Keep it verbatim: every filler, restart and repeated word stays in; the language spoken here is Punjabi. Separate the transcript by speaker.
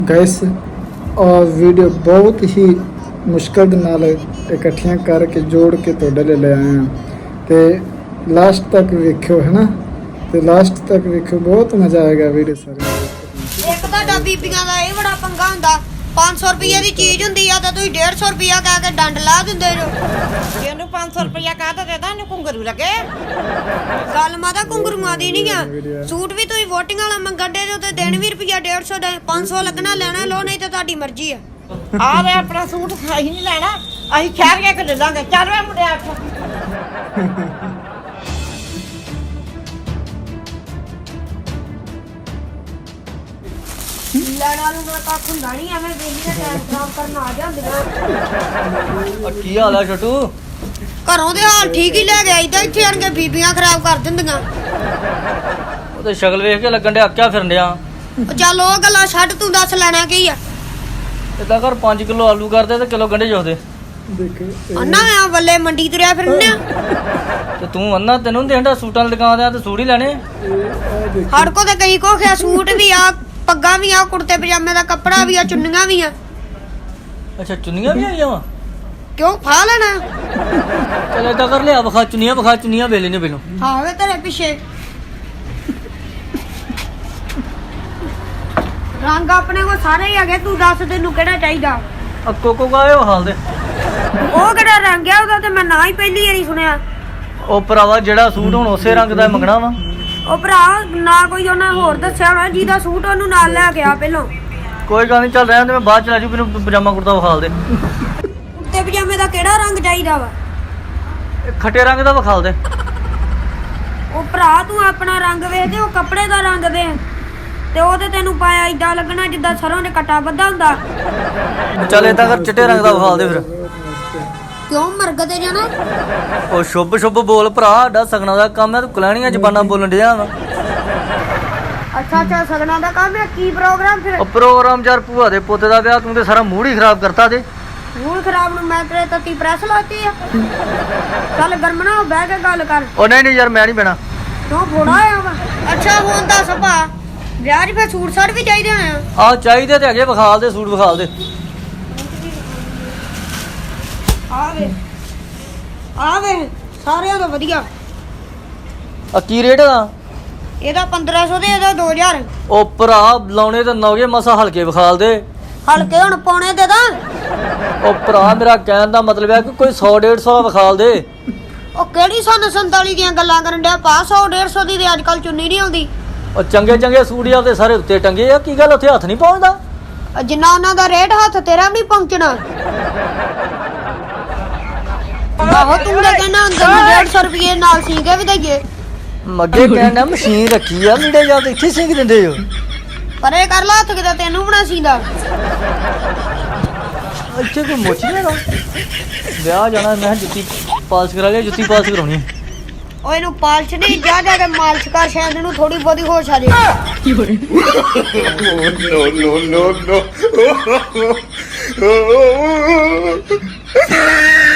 Speaker 1: ਗਾਇਸ और वीडियो बहुत ही मुश्किल ਦੇ ਨਾਲ ਇਕੱਠੀਆਂ ਕਰਕੇ ਜੋੜ ਕੇ ਤੁਹਾਡੇ ਲਈ ਲੈ ਆਏ ਹਾਂ ਤੇ ਲਾਸਟ ਤੱਕ ਵੇਖਿਓ ਹੈ ਨਾ ਤੇ ਲਾਸਟ ਤੱਕ ਵੇਖਿਓ ਬਹੁਤ ਮਜ਼ਾ ਆਏਗਾ ਵੀਡੀਓ ਸਾਰੇ
Speaker 2: ਇੱਕ ਤੁਹਾਡਾ ਬੀਬੀਆਂ ਦਾ ਇਹ ਬੜਾ ਪੰਗਾ ਹੁੰਦਾ पाँच सौ रुपये की चीज होंगी या तो तुम डेढ़ सौ रुपया कह के डंड ला देंगे जो
Speaker 3: ਇਹਨੂੰ पाँच सौ रुपया कह तो देता ਇਹਨੂੰ ਘੁੰਗਰੂ ਲੱਗੇ
Speaker 2: गल माता घुंगरुआ दी नहीं है सूट भी तुम वोटिंग वाला मंगन दे जो देन भी रुपया डेढ़ सौ पाँच सौ लगना लेना लो नहीं तो ਤੁਹਾਡੀ मर्जी है
Speaker 3: ਆ ਵੇ ਆਪਣਾ ਸੂਟ ਅਸੀਂ ਨਹੀਂ ਲੈਣਾ ਅਸੀਂ ਖੈਰ ਕੇ ਲੈ ਲਾਂਗੇ ਚੱਲ ਵੇ ਮੁੰਡਿਆ ਉੱਠ
Speaker 2: ਲੈਣਾ ਨੂੰ ਨਾ ਕੱਖ ਹੁੰਦਾ ਨਹੀਂ ਐਵੇਂ ਵੇਲੀ ਦਾ ਟਾਈਮ ਖਰਾਬ ਕਰਨ ਆ ਜਾਂਦੀਆਂ
Speaker 4: ਕੀ ਹਾਲ ਆ ਛੋਟੂ
Speaker 2: ਘਰੋਂ ਦੇ ਹਾਲ ਠੀਕ ਹੀ ਲੈ ਗਿਆ ਇਦਾਂ ਇੱਥੇ ਆਣ ਕੇ ਬੀਬੀਆਂ ਖਰਾਬ ਕਰ ਦਿੰਦੀਆਂ
Speaker 4: ਉਹ ਤੇ ਸ਼ਕਲ ਵੇਖ ਕੇ ਲੱਗਣ ਡਿਆ ਕਿਆ ਫਿਰਨ ਡਿਆ
Speaker 2: ਉਹ ਚੱਲ ਉਹ ਗੱਲਾਂ ਛੱਡ ਤੂੰ ਦੱਸ ਲੈਣਾ ਕੀ ਆ
Speaker 4: ਇਦਾਂ ਕਰ ਪੰਜ ਕਿਲੋ ਆਲੂ ਕਰਦੇ ਤੇ ਕਿਲੋ ਗੰਢੇ ਜੋਦੇ
Speaker 1: ਦੇਖੋ
Speaker 2: ਅੰਨਾ ਆ ਵੱਲੇ ਮੰਡੀ ਤੁਰਿਆ ਫਿਰਨੇ ਆ
Speaker 4: ਤੇ ਤੂੰ ਅੰਨਾ ਤੈਨੂੰ ਦੇਂਦਾ ਸੂਟਾਂ ਦੀ ਦੁਕਾਨ ਤੇ ਸੂਟ ਹੀ ਲੈਣੇ
Speaker 2: ਹੜ ਕੋ ਤੇ ਕਈ ਕੋ ਖਿਆ ਸੂਟ ਵੀ ਆ ਪੱਗਾਂ ਵੀ ਆ ਕੁੜਤੇ ਪਜਾਮੇ ਦਾ ਕੱਪੜਾ ਵੀ ਆ ਚੁੰਨੀਆਂ ਵੀ ਆ
Speaker 4: ਅੱਛਾ ਚੁੰਨੀਆਂ ਵੀ ਆਈਆਂ ਵਾ
Speaker 2: ਕਿਉਂ ਫਾ ਲੈਣਾ
Speaker 4: ਚਲ ਏਦਾਂ ਕਰ ਲਿਆ ਵਿਖਾ ਚੁੰਨੀਆਂ ਵਿਖਾ ਚੁੰਨੀਆਂ ਵੇਲੇ ਨੇ ਪਹਿਲੋਂ
Speaker 2: ਹਾਂ ਵੇ ਤੇਰੇ ਪਿੱਛੇ ਰੰਗ ਆਪਣੇ ਕੋ ਸਾਰੇ ਹੀ ਹੈਗੇ ਤੂੰ ਦੱਸ ਤੈਨੂੰ ਕਿਹੜਾ ਚਾਹੀਦਾ
Speaker 4: ਆ ਕੋਕੋ ਗਾਏ ਉਹ ਹਾਲ ਦੇ
Speaker 2: ਉਹ ਕਿਹੜਾ ਰੰਗ ਆ ਉਹਦਾ ਤੇ ਮੈਂ ਨਾ ਹੀ ਪਹਿਲੀ ਵਾਰੀ ਸੁਣਿਆ
Speaker 4: ਉਹ ਭਰਾਵਾ ਜਿਹੜਾ ਸੂਟ ਹੁਣ ਉਸੇ ਰੰਗ ਦਾ ਮੰਗਣਾ ਵਾ
Speaker 2: ਉਹ ਭਰਾ ਨਾ ਕੋਈ ਉਹਨਾਂ ਹੋਰ ਦੱਸਿਆ ਹੋਣਾ ਜਿਹਦਾ ਸੂਟ ਉਹਨੂੰ ਨਾਲ ਲੈ ਗਿਆ ਪਹਿਲਾਂ
Speaker 4: ਕੋਈ ਗੱਲ ਨਹੀਂ ਚੱਲ ਰਿਹਾ ਤੇ ਮੈਂ ਬਾਅਦ ਚ ਲੈ ਜੂ ਮੈਨੂੰ ਪਜਾਮਾ ਕੁੜਤਾ ਵਿਖਾਲ ਦੇ
Speaker 2: ਕੁੜਤੇ ਪਜਾਮੇ ਦਾ ਕਿਹੜਾ ਰੰਗ ਚਾਹੀਦਾ ਵਾ
Speaker 4: ਇਹ ਖੱਟੇ ਰੰਗ ਦਾ ਵਿਖਾਲ ਦੇ
Speaker 2: ਉਹ ਭਰਾ ਤੂੰ ਆਪਣਾ ਰੰਗ ਵੇਖ ਤੇ ਉਹ ਕੱਪੜੇ ਦਾ ਰੰਗ ਵੇਖ ਤੇ ਉਹ ਤੇ ਤੈਨੂੰ ਪਾਇਆ ਇਦਾਂ ਲੱਗਣਾ ਜਿੱਦਾਂ ਸਰੋਂ ਦੇ ਕਟਾ ਬੱਧਾ ਹੁੰਦਾ
Speaker 4: ਚੱਲ ਏਦਾਂ ਕਰ ਚਿੱਟੇ ਰੰਗ ਦਾ ਵਿਖਾਲ ਦੇ ਫਿਰ
Speaker 2: ਕਿਉਂ ਮਰਗ ਤੇ ਜਾਣਾ
Speaker 4: ਉਹ ਸ਼ੁੱਭ ਸ਼ੁੱਭ ਬੋਲ ਭਰਾ ਸਾਡਾ ਸਗਣਾ ਦਾ ਕੰਮ ਹੈ ਤੂੰ ਕਲੈਣੀਆਂ ਜ਼ਬਾਨਾਂ ਬੋਲਣ ਡਿਆ ਵਾ
Speaker 2: ਅੱਛਾ ਅੱਛਾ ਸਗਣਾ ਦਾ ਕੰਮ ਹੈ ਕੀ ਪ੍ਰੋਗਰਾਮ ਫਿਰ
Speaker 4: ਉਹ ਪ੍ਰੋਗਰਾਮ ਯਾਰ ਭੂਆ ਦੇ ਪੋਤੇ ਦਾ ਵਿਆਹ ਤੂੰ ਤੇ ਸਾਰਾ ਮੂਡ ਹੀ ਖਰਾਬ ਕਰਤਾ ਤੇ
Speaker 2: ਮੂਲ ਖਰਾਬ ਨੂੰ ਮੈਂ ਤੇਰੇ ਤੱਤੀ ਪ੍ਰੈਸ ਲਾਤੀ ਆ ਚੱਲ ਗਰਮਣਾ ਬਹਿ ਕੇ ਗੱਲ ਕਰ
Speaker 4: ਉਹ ਨਹੀਂ ਨਹੀਂ ਯਾਰ ਮੈਂ ਨਹੀਂ ਬਹਿਣਾ
Speaker 2: ਤੂੰ ਫੋੜਾ ਆਇਆ ਵਾ ਅੱਛਾ ਹੁਣ ਦੱਸ ਭਾ ਵਿਆਹ 'ਚ ਫਿਰ ਸੂਟ ਸਾਟ ਵੀ ਚਾਹੀਦੇ ਆ
Speaker 4: ਆਹ ਚਾਹੀਦੇ ਤੇ ਹੈਗੇ ਵਿਖਾਲ ਦੇ ਸੂਟ ਵਿਖਾਲ ਦੇ
Speaker 2: ਆ ਵੇ ਆ ਵੇ ਸਾਰਿਆਂ ਤੋਂ ਵਧੀਆ
Speaker 4: ਆ ਕੀ ਰੇਟ ਦਾ
Speaker 2: ਇਹਦਾ ਪੰਦਰਾਂ ਸੌ ਤੇ ਇਹਦਾ ਦੋ ਹਜ਼ਾਰ
Speaker 4: ਉਹ ਭਰਾ ਲਾਉਣੇ ਤੇ ਨੌਗੇ ਮਸਾ ਹਲਕੇ ਵਿਖਾਲ ਦੇ
Speaker 2: ਹਲਕੇ ਹੁਣ ਪੌਣੇ ਦੇ ਦਾਂ
Speaker 4: ਉਹ ਭਰਾ ਮੇਰਾ ਕਹਿਣ ਦਾ ਮਤਲਬ ਹੈ ਕਿ ਕੋਈ ਸੌ ਡੇਢ ਸੌ ਵਿਖਾਲ ਦੇ
Speaker 2: ਉਹ ਕਿਹੜੀ ਸਨ ਸੰਤਾਲੀ ਦੀਆਂ ਗੱਲਾਂ ਕਰਨ ਡਿਆ ਪਾ ਸੌ ਡੇਢ ਸੌ ਦੀ ਤੇ ਅੱਜ ਕੱਲ ਚੁੰਨੀ ਨਹੀਂ ਆਉਂਦੀ
Speaker 4: ਉਹ ਚੰਗੇ ਚੰਗੇ ਸੂਟ ਆ ਤੇ ਸਾਰੇ ਉੱਤੇ ਟੰਗੇ ਆ ਕੀ ਗੱਲ ਉੱਥੇ ਹੱਥ ਨਹੀਂ ਪਹੁੰਚਦਾ
Speaker 2: ਉਹ ਜਿੰਨਾ ਉਹਨਾਂ ਦਾ ਰੇਟ ਹੱਥ ਤੇਰਾ ਵੀ ਪਹੁੰਚਣਾ ਆਹੋ ਤੂੰ ਤਾਂ ਕਹਿੰਦਾ ਅੰਦਰ ਨੂੰ ਡੇਢ ਸੌ ਰੁਪਏ ਨਾਲ ਸੀ ਕੇ ਵੀ ਦਈਏ
Speaker 4: ਅੱਗੇ ਕਹਿੰਦਾ ਮਸ਼ੀਨ ਰੱਖੀ ਆ ਲੀੜੇ ਜਾਂ ਤੇ ਇੱਥੇ ਸਿੰਗ ਦਿੰਦੇ ਹੋ
Speaker 2: ਪਰੇ ਕਰ ਲਾ ਹੱਥ ਕਿਤੇ ਤੈਨੂੰ ਬਣਾ ਸੀਦਾ
Speaker 4: ਇੱਥੇ ਕੋਈ ਮੁੱਛ ਨਹੀਂ ਹੈਗਾ ਵਿਆਹ ਜਾਣਾ ਮੈਂ ਜੁੱਤੀ ਪਾਲਸ਼ ਕਰਾ ਲਿਆ ਜੁੱਤੀ ਪਾਲਸ਼ ਕਰਾਉਣੀ
Speaker 2: ਉਹ ਇਹਨੂੰ ਪਾਲਸ਼ ਨਹੀਂ ਜਾ ਜਾ ਕੇ ਮਾਲਸ਼ ਕਰ ਸ਼ਾਇਦ ਇਹਨੂੰ ਥੋੜੀ ਬਹੁਤੀ ਹੋਸ਼ ਆ ਜੇ
Speaker 5: no, no, no, no.